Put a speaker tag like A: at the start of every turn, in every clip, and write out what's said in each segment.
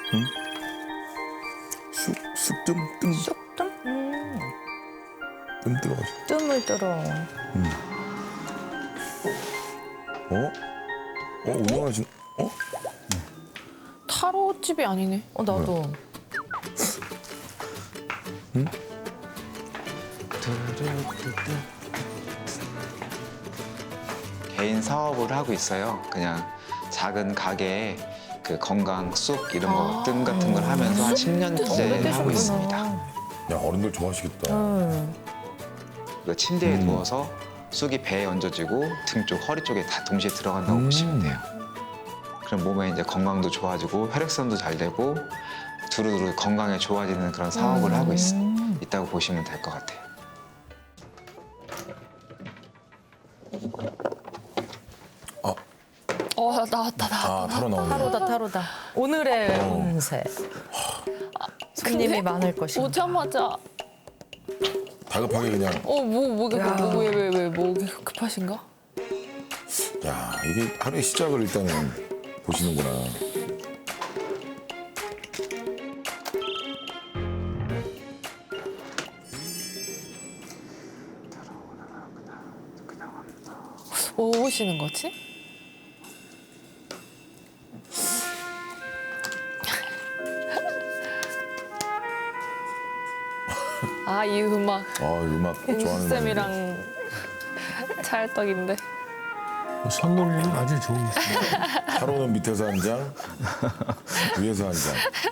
A: 쑥뜸
B: 쑥뜸?
A: 뜸 들어가죠.
B: 뜸을 들어.
A: 운영하신
C: 타로집이 아니네.
B: 나도.
D: 개인 사업을 하고 있어요. 그냥 작은 가게에 그 건강 쑥 이런 거 뜸 같은 걸 하면서 한 10년째 하고 있습니다.
A: 야, 어른들 좋아하시겠다.
D: 그 침대에 누워서 쑥이 배에 얹어지고 등 쪽, 허리 쪽에 다 동시에 들어간다고 보시면 돼요. 그럼 몸에 이제 건강도 좋아지고 혈액순환도 잘 되고 두루두루 건강에 좋아지는 그런 사업을 하고 있다고 보시면 될 것 같아요.
C: 나왔다.
A: 타로 나오네.
B: 타로다. 오늘의 운세. 손님이 많을 것이다.
C: 오자마자
A: 다급하게 그냥.
C: 뭐 급하신가?
A: 야, 이게 하루의 시작을 일단은 보시는구나.
C: 뭐 보시는 거지? 이 음악.
A: 음악 좋아하는
C: 쌤이랑 찰떡인데.
E: 선놀이는 아주 좋은 거.
A: 타로는 밑에서 한 장, 위에서 한 장.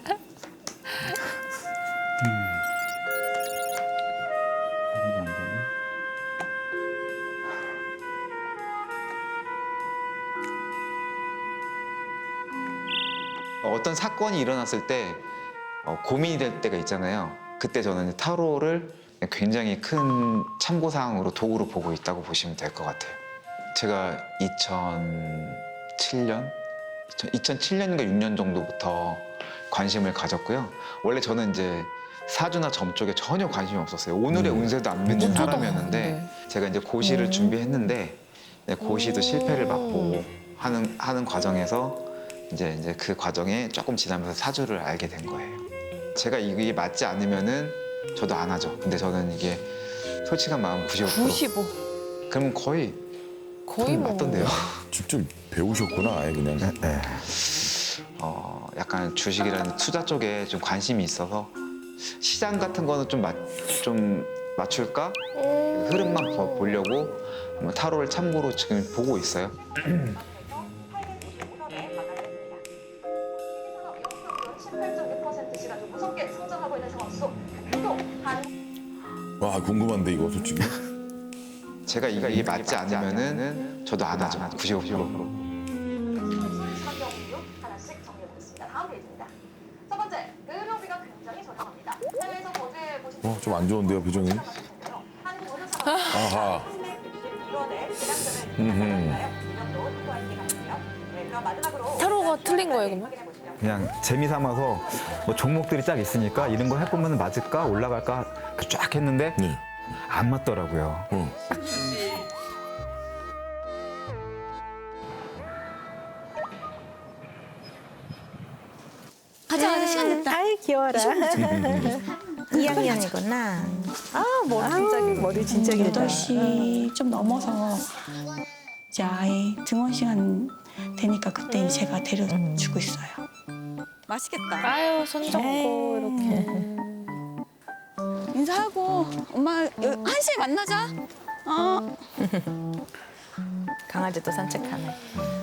D: 어떤 사건이 일어났을 때 고민이 될 때가 있잖아요. 그때 저는 타로를 굉장히 큰 참고사항으로 도구로 보고 있다고 보시면 될 것 같아요. 제가 2007년인가 6년 정도부터 관심을 가졌고요. 원래 저는 이제 사주나 점 쪽에 전혀 관심이 없었어요. 오늘의 운세도 안 믿는 사람이었는데 제가 이제 고시를 준비했는데 고시도 실패를 받고 하는 과정에서 이제 그 과정에 조금 지나면서 사주를 알게 된 거예요. 제가 이게 맞지 않으면은 저도 안 하죠. 근데 저는 이게 솔직한 마음 95%.
C: 95.
D: 그러면 거의
C: 뭐.
D: 맞던데요.
A: 직접 배우셨구나, 아예 그냥.
D: 약간 주식이라는 투자 쪽에 좀 관심이 있어서 시장 같은 거는 좀 맞출까? 흐름만 보려고 타로를 참고로 지금 보고 있어요.
A: 와, 궁금한데, 이거 솔직히.
D: 제가 이게 맞지 않으면은 저도 안 하죠. 95%.
F: 하나씩 정리해보겠습니다. 다음 페이지입니다. 첫 번째, 의료비가 굉장히 저렴합니다. 해외에서 거주해 보신
A: 좀 안 좋은데요, 표정이?
F: 한국 의료사가
A: 아하.
F: 1월에 대량점을 그럼 마지막으로
C: 타로가 틀린 거예요, 그러면?
G: 그냥 재미 삼아서 뭐 종목들이 딱 있으니까 이런 거 해보면 맞을까 올라갈까 쫙 했는데
A: 네.
G: 안 맞더라고요.
H: 가자, 시간 됐다.
B: 아이, 귀여워라. 2학년이구나. 머리 진짜 길다.
H: 8시 좀 넘어서 이제 아이 등원 시간 되니까 그때 이제 제가 데려주고 있어요.
F: 맛있겠다.
C: 아유, 손잡고 이렇게.
H: 인사하고 엄마 1시에 만나자.
B: 강아지도 산책하네.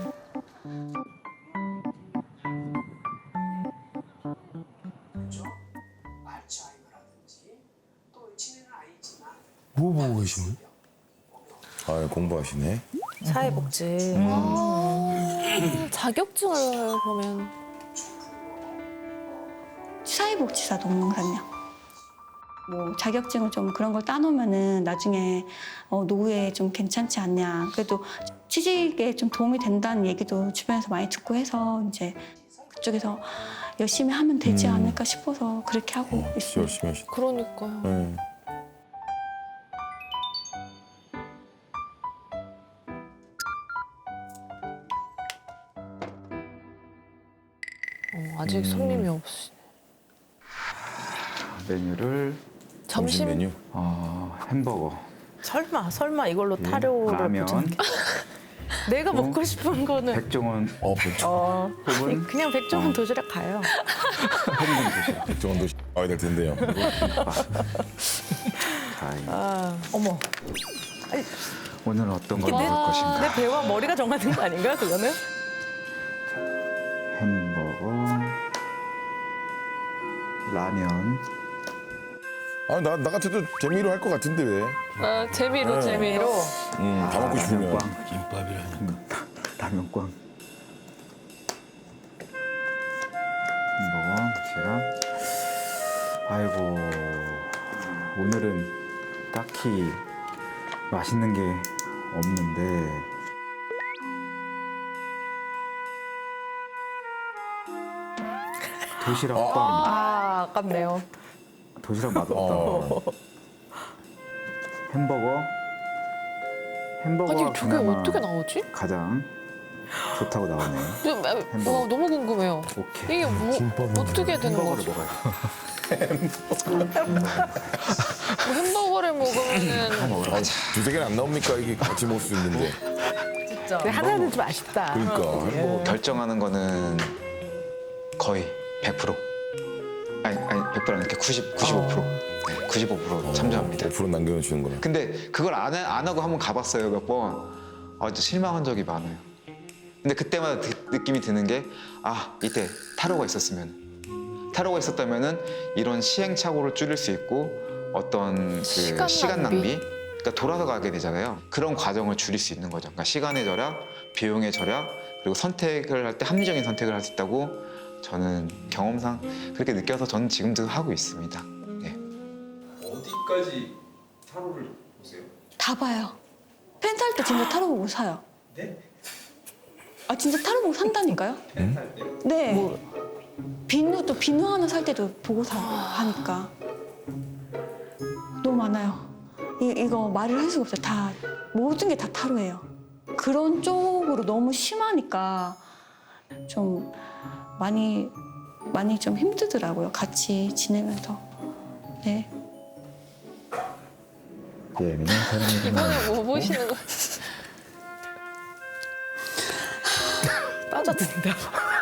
E: 뭐 보고 계시는?
A: 공부하시네.
B: 사회복지.
C: 자격증을 그러면.
H: 사회복지사 동영상요. 뭐 자격증을 좀 그런 걸 따놓으면은 나중에 노후에 좀 괜찮지 않냐. 그래도 취직에 좀 도움이 된다는 얘기도 주변에서 많이 듣고 해서 이제 그쪽에서 열심히 하면 되지 않을까 싶어서 그렇게 하고
A: 진짜
H: 있어요.
A: 열심히 하시네.
C: 그러니까요.
A: 네.
C: 아직 손님이 없으시.
G: 메뉴를
A: 점심 메뉴.
G: 햄버거,
B: 설마 이걸로 타료를
G: 라면,
B: 보지? 내가 먹고 싶은 거는
G: 백종원 혹은
B: 그냥 백종원 도시락 가요.
A: 백종원도 와야 될 텐데요.
G: 자,
B: 어머,
G: 오늘은 어떤 걸 먹을 것인가?
B: 내 배와 머리가 정하는 거 아닌가 그거는?
G: 햄버거, 라면.
A: 나 같아도 재미로 할 것 같은데 왜?
C: 재미로 재미로.
A: 다 먹고 싶으면.
G: 라면꽝.
E: 김밥이라는.
G: 라면꽝. 햄버거, 도시락. 아이고, 오늘은 딱히 맛있는 게 없는데. 도시락빵.
B: 아깝네요.
G: 도시락 맛없다. 햄버거. 햄버거.
C: 아니 저게 어떻게 나오지?
G: 가장 좋다고 나오네요.
C: 와, 너무 궁금해요.
G: 오케이.
C: 이게
E: 김밥은
C: 어떻게 되는
G: 햄버거를
C: 거죠?
G: 먹어요.
C: 뭐 햄버거를 먹으면은
A: 두세 개는 안 나옵니까? 이게 같이 먹을 수 있는데.
B: 진짜. 하나는 좀 아쉽다.
A: 그러니까 햄버거.
D: 결정하는 거는 거의 100%. 아니 100%는 이렇게 95%. 95% 참조합니다.
A: 5% 남겨주는구나.
D: 근데 그걸 안 하고 한번 가봤어요, 몇 번. 진짜 실망한 적이 많아요. 근데 그때마다 느낌이 드는 게, 이때 타로가 있었으면. 타로가 있었다면은 이런 시행착오를 줄일 수 있고 어떤 그 시간 낭비? 그러니까 돌아서 가게 되잖아요. 그런 과정을 줄일 수 있는 거죠. 그러니까 시간의 절약, 비용의 절약, 그리고 선택을 할 때 합리적인 선택을 할 수 있다고 저는 경험상 그렇게 느껴서 저는 지금도 하고 있습니다. 네.
I: 어디까지 타로를 보세요?
H: 다 봐요. 펜트 할 때 진짜 타로 보고 사요.
I: 네?
H: 아 진짜 타로 보고 산다니까요?
I: 할 때요?
H: 네. 비누도 비누 하나 살 때도 보고 하니까 너무 많아요. 이거 말을 할 수가 없어요. 다 모든 게 다 타로예요. 그런 쪽으로 너무 심하니까 좀 많이 좀 힘들더라고요. 같이 지내면서. 네.
G: 예민한 사람이구나.
C: 이번에 뭐 보시는 거?
B: 빠져든다.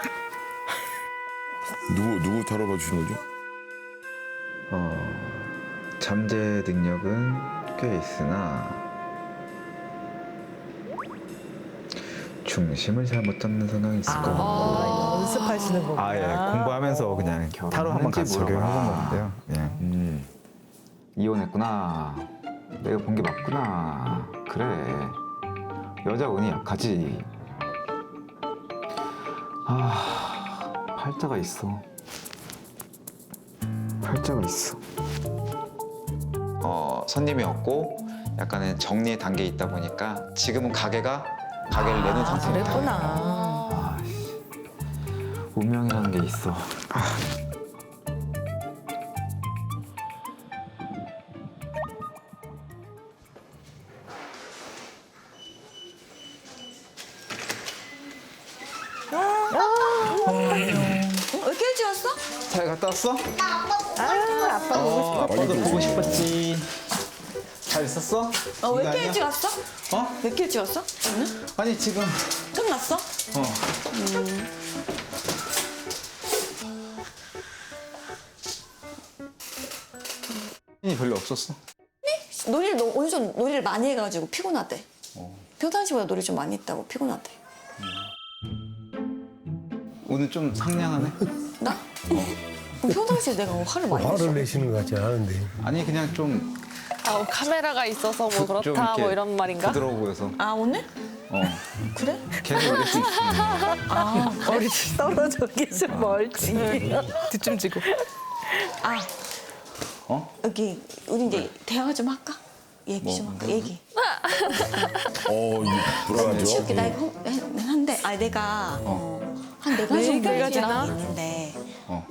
A: 누구 타로 봐주시는 거죠?
G: 잠재 능력은 꽤 있으나 중심을 잘못 잡는 성향이 있을 것 같고.
B: 연습하시는 거구나.
G: 예, 공부하면서 그냥 타로 한번 같이 적용해 본 건데요. 예. 이혼했구나. 내가 본 게 맞구나. 그래. 여자 운이 약하지. 팔자가 있어. 팔자가 있어.
D: 손님이 없고 약간의 정리의 단계에 있다 보니까 지금은 가게를 내는 상태입니다.
B: 그랬구나.
G: 운명이라는 게 있어.
H: 왜 이렇게 일찍 왔어?
G: 잘 갔다 왔어?
B: 아빠 보고 싶어.
G: 아빠도 보고 싶었지. 잘 있었어?
H: 왜
G: 이거
H: 이렇게
G: 아니야?
H: 일찍 왔어? 왜 이렇게 일찍 왔어? 오늘?
G: 아니 지금
H: 끝났어?
G: 힘이 별로 없었어.
H: 오늘 좀 놀이를 많이 해가지고 피곤하대. 평상시보다 놀이 좀 많이 했다고 피곤하대.
G: 오늘 좀 상냥하네.
H: 나? 그럼 평상시에 내가 화를 많이 냈어.
E: 화를 내시는 것 같지 않은데.
G: 아니 그냥 좀
C: 카메라가 있어서 뭐
G: 좀
C: 그렇다
G: 이렇게
C: 뭐 이런 말인가?
G: 부드러워 보여서.
H: 아 오늘? 그래?
G: 계속 이럴 수 있어.
B: 머리 떨어져 계속 멀지. 뒤춤지고.
H: 여기 우리 이제 대화 좀 할까? 얘기 좀 할까? 얘기.
A: 이거 불안하죠?
H: 이렇게 나 이거 한데 내가 한 네 가지 정도
B: 네
H: 얘기가
B: 가지나?
H: 있는데
G: 어.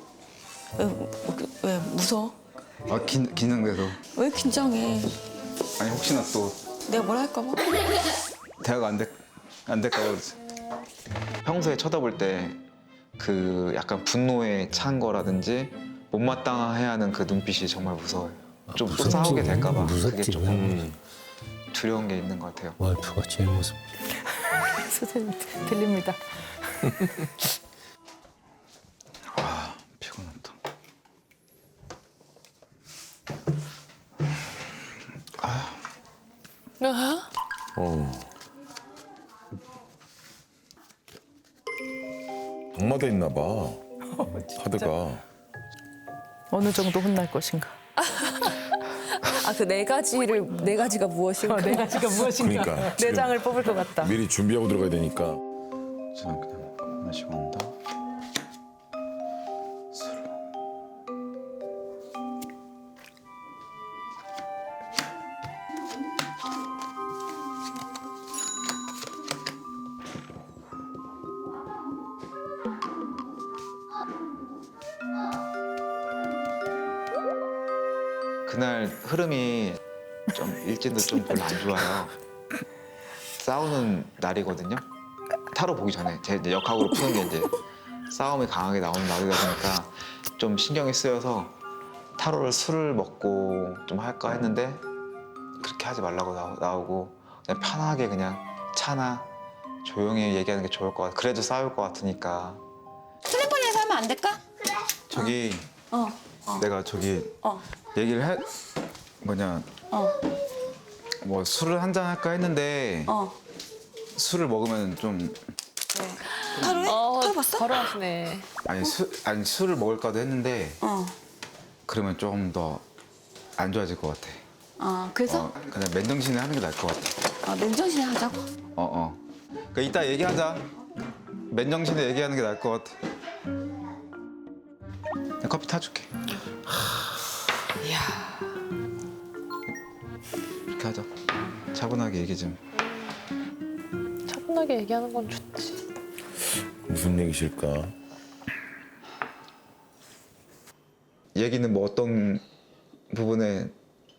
H: 왜 무서워?
G: 긴장돼서.
H: 왜 긴장해?
G: 아니 혹시나 또
H: 내가 뭐라 할까 봐?
G: 대화가 안 될까 봐 그러지.
D: 평소에 쳐다볼 때 그 약간 분노에 찬 거라든지 못마땅해야 하는 그 눈빛이 정말 무서워요. 좀 또
E: 무섭지.
D: 싸우게 될까봐 그게
E: 무섭지.
D: 조금 두려운 게 있는 것 같아요.
E: 와이프가 제일 무섭.
B: 선생님 들립니다.
G: 아 피곤하다.
A: 악마도 있나 봐. 카드가.
B: 어느 정도 혼날 것인가.
J: 아, 그 네 가지가 무엇인가?
B: 네 가지가 무엇인가.
A: 그러니까
B: 네
A: 지금
B: 장을 뽑을 것 같다.
A: 미리 준비하고 들어가야 되니까.
G: 자 그냥 마시고 온다.
D: 그날 흐름이 좀 일진도 좀 별로 안 좋아요. 싸우는 날이거든요. 타로 보기 전에 제 이제 역학으로 푸는 게 이제 싸움이 강하게 나오는 날이다 보니까 좀 신경이 쓰여서 타로를 술을 먹고 좀 할까 했는데 그렇게 하지 말라고 나오고 그냥 편하게 그냥 차나 조용히 얘기하는 게 좋을 것 같아. 그래도 싸울 것 같으니까.
H: 휴대폰에서 하면 안 될까?
G: 저기
H: 어.
G: 내가 저기
H: 어.
G: 얘기를 해 뭐냐
H: 어.
G: 뭐 술을 한잔 할까 했는데
H: 어.
G: 술을 먹으면 좀
H: 타로해? 타로 봤어?
C: 바로 하시네.
G: 아니 술을 먹을까도 했는데
H: 어.
G: 그러면 조금 더 안 좋아질 것 같아.
H: 그래서
G: 그냥 맨정신에 하는 게 나을 것 같아.
H: 맨정신에 하자고?
G: 그러니까 이따 얘기하자. 맨정신에 얘기하는 게 나을 것 같아. 내가 커피 타줄게. 이렇게 하자. 차분하게 얘기 좀.
C: 차분하게 얘기하는 건 좋지.
A: 무슨 얘기실까?
D: 얘기는 뭐 어떤 부분에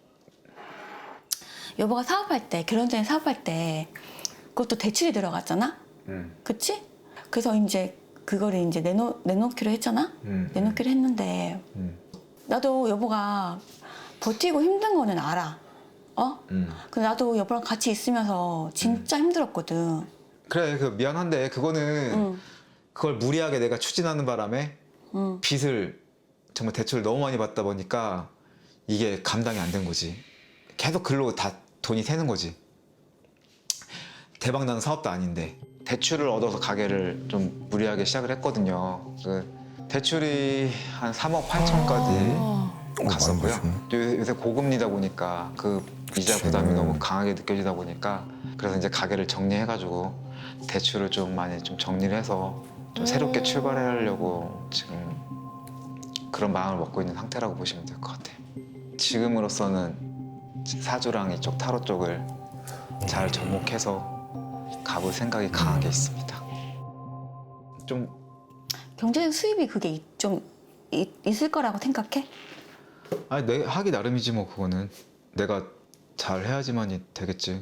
H: 여보가 사업할 때, 결혼 전에 사업할 때 그것도 대출이 들어갔잖아? 그치? 그래서 이제 그거를 이제 내놓기로 했잖아? 내놓기로 했는데 나도 여보가 버티고 힘든 거는 알아. 근데 나도 여보랑 같이 있으면서 진짜 힘들었거든.
D: 그래 그 미안한데 그거는 그걸 무리하게 내가 추진하는 바람에 빚을 정말 대출을 너무 많이 받다 보니까 이게 감당이 안 된 거지. 계속 글로 다 돈이 새는 거지. 대박 나는 사업도 아닌데 대출을 얻어서 가게를 좀 무리하게 시작을 했거든요. 그 대출이 한 3억 8천까지 갔었고요. 요새 고금리다 보니까 그 이자 부담이 너무 강하게 느껴지다 보니까 그래서 이제 가게를 정리해가지고 대출을 좀 많이 좀 정리를 해서 좀 새롭게 출발하려고 지금 그런 마음을 먹고 있는 상태라고 보시면 될 것 같아요. 지금으로서는 사주랑 이쪽 타로 쪽을 잘 접목해서 가볼 생각이 강하게 있습니다. 좀
H: 경제적 수입이 그게 좀 있을 거라고 생각해?
D: 아니 내 하기 나름이지 뭐 그거는 내가 잘 해야지만이 되겠지.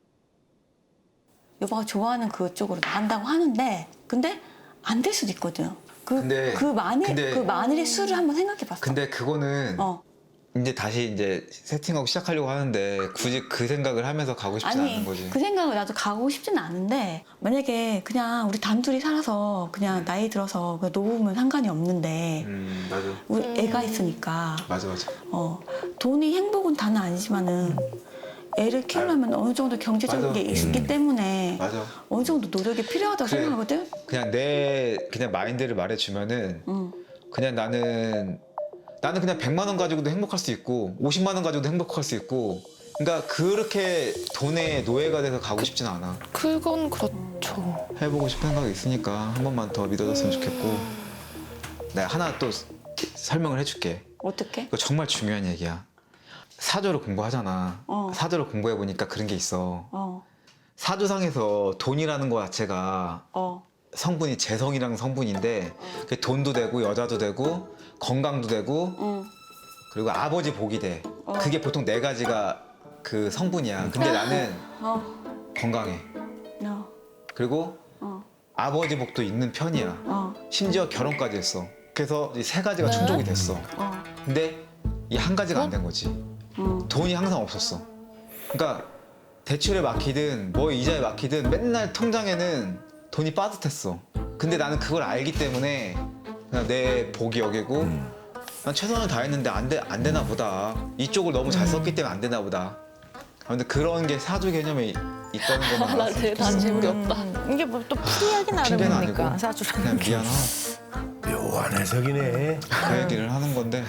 H: 여보가 좋아하는 그쪽으로 나간다고 하는데 근데 안 될 수도 있거든. 그 마늘의 수를 한번 생각해봤어.
D: 근데 그거는 이제 다시 이제 세팅하고 시작하려고 하는데 굳이 그 생각을 하면서 가고 싶진 않은 거지.
H: 그 생각을 나도 가고 싶지는 않은데 만약에 그냥 우리 단둘이 살아서 그냥 나이 들어서 그냥 놓으면 상관이 없는데
D: 맞아.
H: 우리 애가 있으니까
D: 맞아.
H: 돈이 행복은 다는 아니지만은 애를 키우려면 어느 정도 경제적인
D: 맞아.
H: 게 있기 때문에
D: 맞아.
H: 어느 정도 노력이 필요하다고
D: 그래.
H: 생각하거든.
D: 그냥 내 그냥 마인드를 말해주면은 그냥 나는 그냥 100만 원 가지고도 행복할 수 있고 50만 원 가지고도 행복할 수 있고 그러니까 그렇게 돈의 노예가 돼서 가고 싶진 않아.
C: 그건 그렇죠.
D: 해보고 싶은 생각이 있으니까 한 번만 더 믿어줬으면 좋겠고 내가 하나 또 설명을 해줄게.
H: 어떻게?
D: 이거 정말 중요한 얘기야. 사주를 공부하잖아. 사주를 공부해보니까 그런 게 있어. 사주상에서 돈이라는 거 자체가 성분이 재성이라는 성분인데 그게 돈도 되고 여자도 되고 건강도 되고 그리고 아버지 복이 돼. 그게 보통 네 가지가 그 성분이야. 근데 나는 건강해. 그리고 아버지 복도 있는 편이야.
H: 어.
D: 심지어 결혼까지 했어. 그래서 이 세 가지가 충족이 됐어.
H: 어.
D: 근데 이 한 가지가 안 된 거지.
H: 어.
D: 돈이 항상 없었어. 그러니까 대출에 막히든 뭐 이자에 막히든 맨날 통장에는 돈이 빠듯했어. 근데 나는 그걸 알기 때문에 그냥 내 복이 여기고 난 최선을 다했는데 안 되나 보다. 이쪽을 너무 잘 썼기 때문에 안 되나 보다. 근데 그런 게 사주 개념에 있다는 것만
C: 나
D: 알았으면
C: 난 재물이 없다.
B: 이게 뭐 또 풀이하기
D: 핑계는
B: 나름이니까
D: 아니고
B: 사주라는
D: 그냥
B: 게.
D: 미안하고
E: 묘한 해석이네.
D: 그 얘기를 하는 건데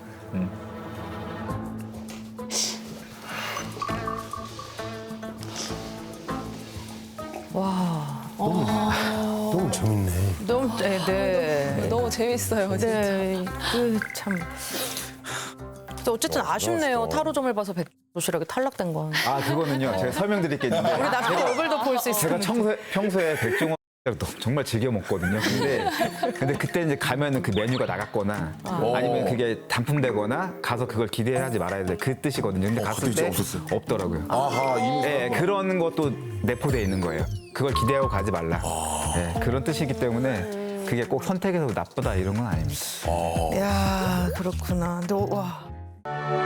B: 와,
E: 너무 재밌네.
B: 너무 네.
J: 너무 재밌어요. 진짜.
B: 네, 그 참. 근데 어쨌든 아쉽네요. 타로점을 봐서 백도시락이 탈락된 건.
G: 아 그거는요 제가 설명드릴 게 있는데
B: 우리 나중에 얼굴도 볼 수
G: 제가
B: 있으니까.
G: 평소에 백종원 정말 즐겨 먹거든요. 근데 그때 이제 가면은 그 메뉴가 나갔거나 아니면 그게 단품되거나 가서 그걸 기대하지 말아야 돼. 그 뜻이거든요. 근데 갔을
A: 그때
G: 때
A: 없었어요.
G: 없더라고요.
A: 아하 이미
G: 네, 그런 것도 내포되어 있는 거예요. 그걸 기대하고 가지 말라. 네, 그런 뜻이기 때문에 그게 꼭 선택해서 나쁘다 이런 건 아닙니다.
B: 야, 그렇구나. 근데 와.